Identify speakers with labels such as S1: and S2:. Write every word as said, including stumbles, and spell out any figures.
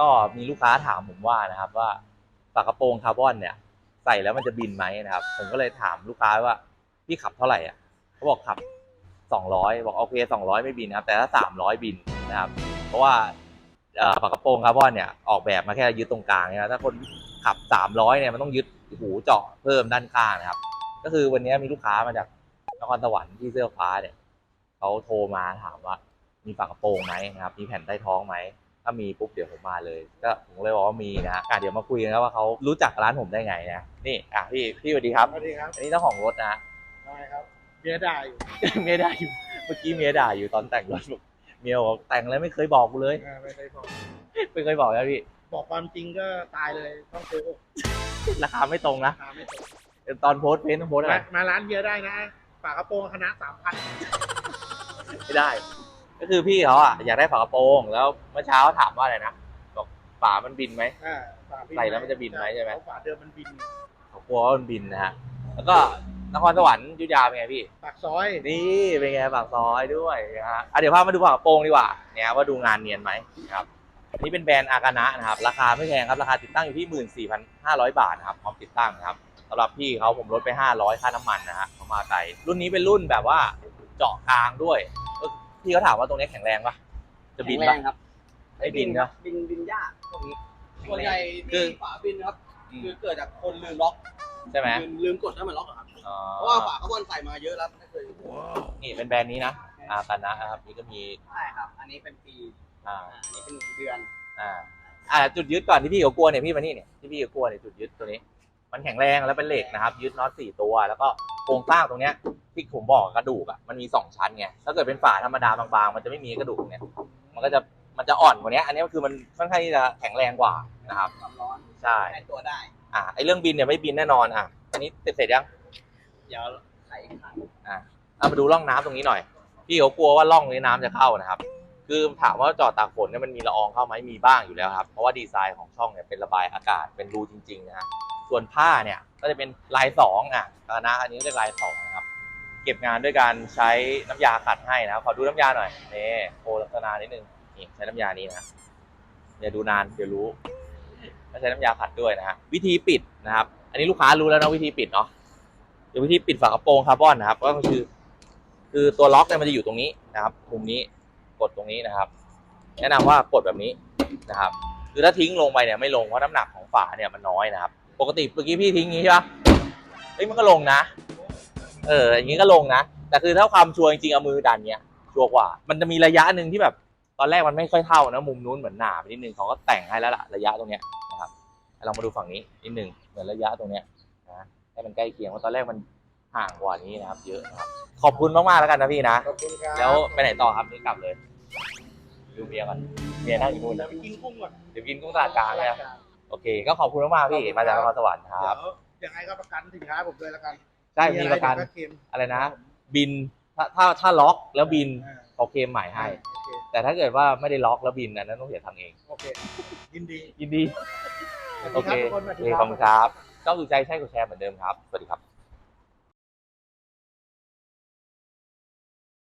S1: ก็มีลูกค้าถามผมว่านะครับว่าฝากระโปรงคาร์บอนเนี่ยใส่แล้วมันจะบินไหมนะครับผมก็เลยถามลูกค้าว่าพี่ขับเท่าไหร่อ่ะเขาบอกขับสองร้อยบอกโอเคสองร้อยไม่บินนะครับแต่ถ้าสามร้อยบินนะครับเพราะว่าฝากระโปรงคาร์บอนเนี่ยออกแบบมาแค่ยึดตรงกลางนะถ้าคนขับสามร้อยเนี่ยมันต้องยึดหูเจาะเพิ่มด้านข้างนะครับก็คือวันนี้มีลูกค้ามาจากนครสวรรค์ที่เสื้อฟ้าเนี่ยเขาโทรมาถามว่ามีฝากระโปรงไหมนะครับมีแผ่นใต้ท้องไหมถ้ามีปุ๊บเดี๋ยวผมมาเลยก็ผมเลยบอกว่ามีนะอ่ะเดี๋ยวมาคุยกันครับว่าเขารู้จักร้านผมได้ไงนะนี่อ่ะพี่พี่สวัสดีครับ
S2: สวัสดีครับ
S1: อันนี้เจ้าของรถนะ
S2: ได้ครับเมียด่าอยู่
S1: เมียด่าอยู่เมื่อกี้เมียด่าอยู่ตอนแต่งรถเมียบอกแต่งแล้วไม่เคยบอกกูเลย
S2: ไม่เคยบอก
S1: ไม่เคยบอกนะพี่
S2: บอกความจริงก็ตายเลยต้องโกหก
S1: ราคาไม่ตรงนะ
S2: ราคาไม่ตรง
S1: ตอนโพสเพนต์โพสอะไร
S2: มาร้านเบียร์ได้นะฝากระโปรงคณะสามพัน
S1: ไม่ได้ก็คือพี่เขาอ่ะอยากได้ฝากระโปรงแล้วเมื่อเช้าถามว่าอะไรนะบอกฝามันบินไหมใส่แล้วมันจะบินไหมใช่ไหม
S2: ฝาเดิมมันบิน
S1: เขากลัวว่ามันบินนะฮะแล้วก็นครสวรรค์อยุธยาเป็นไงพี่
S2: ปากซอย
S1: นี่เป็นไงปากซอยด้วยนะฮะอ่ะเดี๋ยวพามาดูฝากระโปรงดีกว่าเนี่ยว่าดูงานเนียนไหมครับอันนี้เป็นแบรนด์อากานะนะครับราคาไม่แพงครับราคาติดตั้งอยู่ที่ หนึ่งหมื่นสี่พันห้าร้อย บาทนะครับพร้อมติดตั้งนะครับสำหรับพี่เขาผมลดไปห้าร้อยค่าน้ำมันนะฮะเขามาไกลรุ่นนี้เป็นรุ่นแบบว่าเจาะกลางด้วยพี่เขาถามว่าตรงนี้แข็งแรงปะจะบินปะ
S3: ครับ
S1: ไม่บินนะ
S3: บินบินยากพวกนี้ส่วนใหญ่
S1: คื
S3: ที่
S1: อ
S3: ฝาบินครับคือเกิดจากคนลืมล็อก
S1: ใช่ไหม
S3: ลืมลืมกดให้มันล็อกครับเพราะว่าฝาคาร์บอนใส่มาเยอะแล้วไม่เคย
S1: นี่เป็นแบรนด์นี้นะอากานะครับนี่ก็มี
S3: ใช่ครับอันนี้เป็นปี
S1: อ่า
S3: อันนี้เป็นเดือน
S1: อ่าอ่าจุดยึดก่อนที่พี่เขากลัวเนี่ยพี่มานี่เนี่ยที่พี่เขากลัวเนี่ยจุดยึดตัวนี้มันแข็งแรงแล้วเป็นเหล็กนะครับยึดน็อตสี่ตัวแล้วก็โครงสร้างตรงเนี้ยที่ผมบอกกระดูกอ่ะมันมีสองชั้นไงถ้าเกิดเป็นฝาธรรมดาบางๆมันจะไม่มีกระดูกเนี่ยมันก็จะมันจะอ่อนกว่านี้อันนี้คือมันค่อนข้างที่จะแข็งแรงกว่านะครับ
S3: ความร้อน
S1: ใช่
S3: ให้ตัวได้
S1: อ่าไอเรื่องบินเนี่ยไม่บินแน่นอนอ่ะอันนี้เสร็จเสร็จยัง
S3: เดี๋ยวไขขัน
S1: อ่าเอามาดูร่องน้ำตรงนี้หน่อยพี่เขากลัวว่าร่องนี้น้ำจะเข้านะครับคือถามว่าจอดตากฝนเนี่ยมันมีละอองเข้าไหมมีบ้างอยู่แล้วครับเพราะว่าดีไซน์ของช่องเนี่ยเป็นระบายอากาศเป็นรูจริงๆนะฮะส่วนผ้าเนี่ยก็จะเป็นลายสองอ่ะนะอันนี้เรียกลายสองนะครับเก็บงานด้วยการใช้น้ำยาขัดให้นะขอดูน้ำยาหน่อยนี่โคลักษณะนิดนึงนี่ใช้น้ำยานี้นะอย่าดูนานเดี๋ยวรู้ไม่ใช้น้ำยาขัดด้วยนะฮะวิธีปิดนะครับอันนี้ลูกค้ารู้แล้วนะวิธีปิดเนาะเดี๋ยววิธีปิดฝากระโปรงคาร์บอนนะครับก็คือคือตัวล็อกเนี่ยมันจะอยู่ตรงนี้นะครับมุมนี้กดตรงนี้นะครับแนะนำว่ากดแบบนี้นะครับคือถ้าทิ้งลงไปเนี่ยไม่ลงเพราะน้ำหนักของฝาเนี่ยมันน้อยนะครับปกติเมื่อกี้พี่ทิ้งงี้ใช่ปะเฮ้ยมันก็ลงนะเอออย่างนี้ก็ลงนะแต่คือถ้าความชัวร์จริงๆเอามือดันเนี้ยชัวร์กว่ามันจะมีระยะหนึ่งที่แบบตอนแรกมันไม่ค่อยเท่านะมุมนู้นเหมือนหนาไปนิดนึงเขาก็แต่งให้แล้วล่ะระยะตรงเนี้ยนะครับลองมาดูฝั่งนี้นิดนึงเหมือนระยะตรงเนี้ยนะให้มันใกล้เคียงเพราะตอนแรกมันห่างกว่านี้นะครับเยอะนะครับขอบคุณมากๆแล้วกันนะพี่นะแล้วไปไหนต่อครับนี่กลับเลยดูเมียกันเมียนั่งอยู่นู่น
S2: เดี๋ยวไปกินกุ้งก่อน
S1: เดี๋ยวกินกุ้งตลาดกลางนะโอเคก็ขอบคุณมากๆพี่มาจากนครสวรรค์ครับ
S2: เดี๋ยวยังไงก็ประกันสินค้าผมด้วยแล้วกัน
S1: ใช่มีประกันอะไรนะบินถ้าถ้าถ้าล็อกแล้วบินเขาเคลมใหม่ให้แต่ถ้าเกิดว่าไม่ได้ล็อกแล้วบินนั้นต้องเสียทางเอง
S2: โอเคยินดี
S1: ยินดีโอเคขอบคุณครับต้องดูใจใช่กดแชร์เหมือนเดิมครับสวัสดีครับ